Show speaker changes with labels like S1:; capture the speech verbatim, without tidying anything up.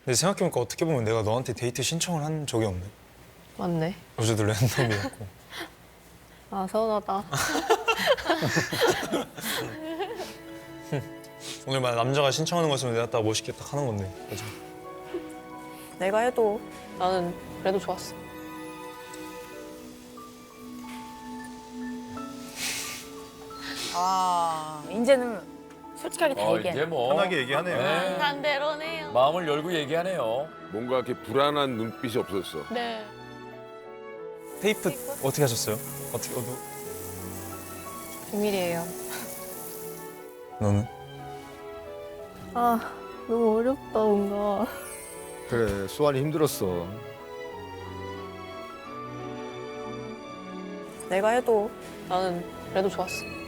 S1: 근데 생각해보니까 어떻게 보면 내가 너한테 데이트 신청을 한 적이 없네.
S2: 맞네.
S1: 어제도 랜덤이었고.
S2: 아 서운하다.
S1: 오늘 만약 남자가 신청하는 거였으면 내가 딱 멋있게 딱 하는 건데. 그죠?
S2: 내가 해도 나는 그래도 좋았어.
S3: 아, 이제는 솔직하게 다
S4: 어,
S3: 얘기해.
S4: 이제 뭐
S1: 편하게 얘기하네요.
S4: 네.
S2: 반대로네요.
S4: 마음을 열고 얘기하네요.
S5: 뭔가 이렇게 불안한 눈빛이 없었어.
S2: 네.
S1: 테이프 어떻게 하셨어요? 어떻게, 어,
S2: 비밀이에요.
S1: 너는?
S2: 아 너무 어렵다 뭔가.
S6: 그래, 수환이 힘들었어.
S2: 내가 해도 나는 그래도 좋았어.